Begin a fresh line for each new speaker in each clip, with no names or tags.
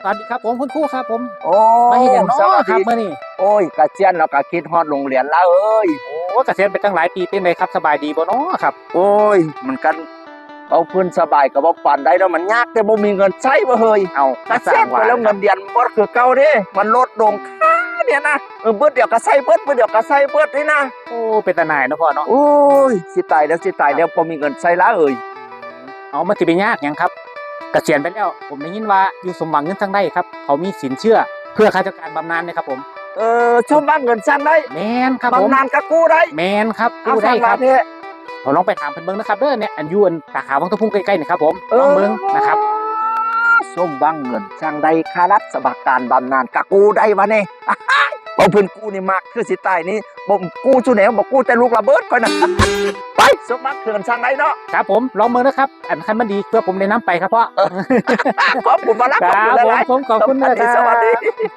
วัสดีครับผมคุณครูครับผม
โอ้
มาเห็นอย่างน้อ
สวัส
ครับ
ดี
เมื่อนี้
โอ้ยกระเจียนเราก็คิดฮอดโรงเรียนแล้วเอ้ย
โอ้เกษียณไปตั้งหลายปีเป็นไงครับสบายดีบ่เนาะครับ
โอ้ยมันกันเอาเพิ่นสบายก็บ่ปานใดแล้วมันยากแต่บ่มีเงินใช้บ่เฮ้ย
เอา
กระเซ็นไปแล้วเงินเดือนบ่คือเก่าเด้มันลดลงค่าเนี่ยนะเบิดเดี๋ยวก็ใช้เบิดเดี๋ยวก็ใช้เบิดนี่นะ
โอ้เป็นตาหน่ายเนาะพ่อเนาะ
โอ้ยสิตายแล้วบ่มีเงินใช้ละเอ้ย
เอามันสิไปยากหยังครับเกษียณไปแล้วผมได้ยินว่าอยู่สมหวังเงินทางได้ครับเขามีสินเชื่อเพื่อข้าราชการบำนาญนะครับผม
ชมบ้านเงินซั่นได้
แมนครับผม
บำนาญก็กู้ได้
แมนครับ
เอา
กู้ได้ครับ
เด้
ผมลองไปถามเพิ่นเบิ่งนะครับเด้อเนี่ยอันยูอันสาขาวังตะพุ่งใกล้ๆนี่ครับผมลองเบิ่งนะครับ
ส้มบ้างเงินจังใดค่ารัฐสบักการบำนาญกะกู้ได้วะเนี่ยเอาเพิ่นกู้นี่มากคือสิตายนี่บ่กู้จุแนวบ่กู้แต่ลูกระเบิดก่อนนะไปสมบัติเขื่อนจังใดเนาะ
ครับผมลองเบิ่งนะครับอันคันมันดีเพื่อผมได้นํไปครับพ่อ
ขอบคุณมารับ
ครับผมขอบคุณนะครับ
สวัสดี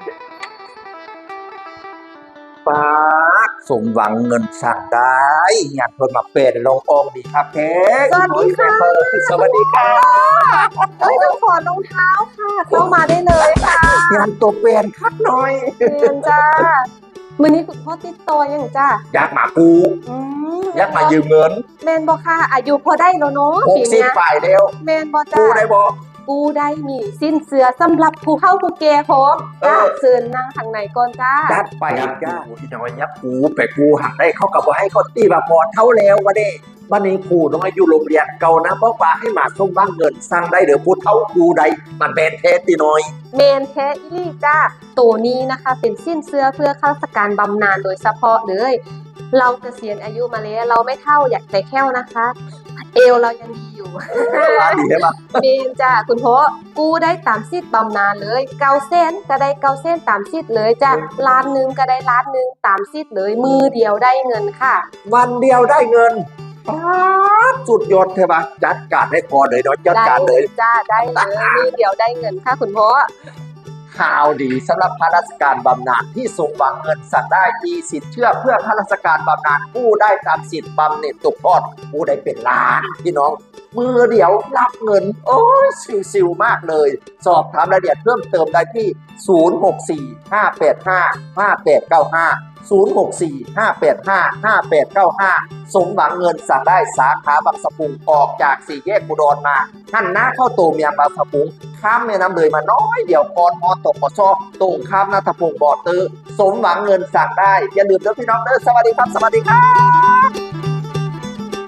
ป้าสมหวังเงินสั่งได้อยากเพิ่นมาเปดลงองดีครับแท้
สวัสดีค่ะ
สวัสดีค่ะ
ต้องขอรองเท้าค่ะเข้ามาได้เลยค่ะ
งานตัวเปลี่ยนคักหน่อย
เรียนจ้ามื้อนี้คุณพ่อติดต่อยังจ้า
อยากมากูอยากมายืมเงิน
แมนบ่ค่ะอายุพอได้แล้วเนาะ
60ฝ่ายเดียว
แมนบ่จ้า
กูได้บ่
กูได้มีสิ้นเสือสำหรับผู้เข้าผู้แก่พร้อมจ้าเชิญนั่งข้างในก่อนจ้า
จัดไปครับจ้าที่น้อยยับกูไปกูหักได้เขากับว่าให้เขาตีแบบพอเท่าแล้ววะเด้วันนี้ครูน้อยอยู่โรงเรียนเก่านะบอกว่าให้มาส่งบ้างเงินสั่งได้เดี๋ยวพูดเท่ากูได้มันเป็นเทสตีน้อย
เมนแท้อีลี่จ้าตัวนี้นะคะเป็นสิ้นเสื้อเพื่อข้าราชการบำนาญโดยเฉพาะเลยเราเกษียณอายุมาแล้วเราไม่เท่าอยากแต่แค่วนะคะเอวเรายังดีอยู่
ดีใช่ปะ
เมนจ้าคุณพ่อกู้ได้ตามสิทธิ์บำนาญเลย900,000ก็ได้900,000ตามสิทธิ์เลยจ้า1,000,000ก็ได้1,000,000ตามสิทธิ์เลยมือเดียวได้เงินค่ะ
วันเดียวได้เงินสุดยอดใช่ปะจัดการให้พอเลยเนาะจัดการเลย
จ้าได้เลยมือเดียวได้เงินค่ะคุณพ่อ
ข่าวดีสำหรับข้าราชการบำนาญที่สมหวังเงินสั่งได้มีสิทธิ์เชื่อเพื่อข้าราชการบำนาญกู้ได้ตามสิทธิ์บำเหน็จตกทอดกู้ได้เป็นล้านพี่น้องมือเดียวรับเงินโอ้ยซิวๆมากเลยสอบถามรายละเอียดเพิ่มเติมได้ที่06458558506458555895สมหวังเงินสั่งได้สาขาบางสะพุงออกจากสี่แยกอุดรมาหันหน้าเข้าตัวเมียงบางสะพุงข้ามแม่น้ำเลยมาน้อยเดี๋ยวก่อนมอตกมอซอตรงข้ามนาทพงศ์บ่อตื้อสมหวังเงินสั่งได้อย่าลืมเด้อพี่น้องเด้อสวัสดีครับ